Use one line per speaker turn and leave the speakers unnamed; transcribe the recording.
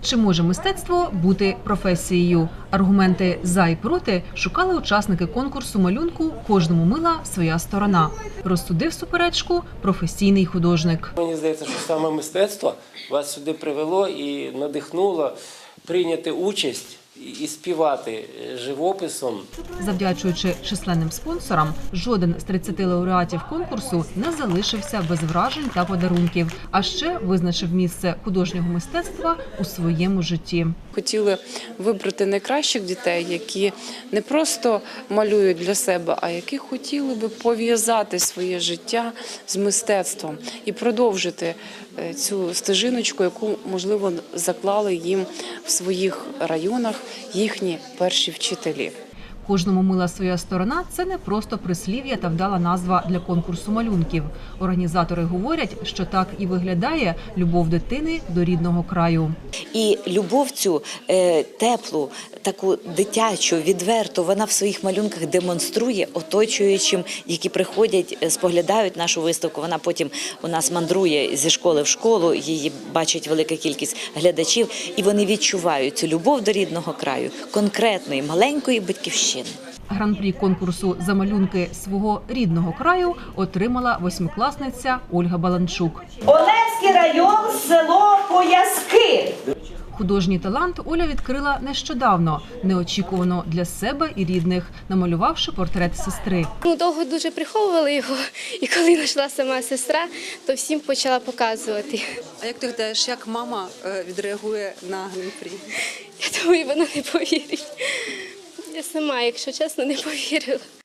Чи може мистецтво бути професією? Аргументи «за» і «проти» шукали учасники конкурсу малюнку «Кожному мила своя сторона». Розсудив суперечку професійний художник.
Мені здається, що саме мистецтво вас сюди привело і надихнуло прийняти участь і співати живописом.
Завдячуючи численним спонсорам, жоден з 30 лауреатів конкурсу не залишився без вражень та подарунків, а ще визначив місце художнього мистецтва у своєму житті.
Хотіли вибрати найкращих дітей, які не просто малюють для себе, а які хотіли би пов'язати своє життя з мистецтвом і продовжити цю стежиночку, яку, можливо, заклали їм в своїх районах їхні перші вчителі.
«Кожному мила своя сторона» – це не просто прислів'я та вдала назва для конкурсу малюнків. Організатори говорять, що так і виглядає любов дитини до рідного краю.
І любов цю теплу, таку дитячу, відверту, вона в своїх малюнках демонструє оточуючим, які приходять, споглядають нашу виставку. Вона потім у нас мандрує зі школи в школу, її бачить велика кількість глядачів, і вони відчувають цю любов до рідного краю, конкретної, маленької батьківщини.
Гран-прі конкурсу «За малюнки свого рідного краю» отримала восьмикласниця Ольга Баланчук.
Олевський район, село Пояски.
Художній талант Оля відкрила нещодавно, неочікувано для себе і рідних, намалювавши портрет сестри.
Довго дуже приховували його, і коли знайшла сама сестра, то всім почала показувати.
А як ти гадаєш, як мама відреагує на гран-прі?
Я думаю, вона не повірить. Я сама, якщо чесно, не повірила.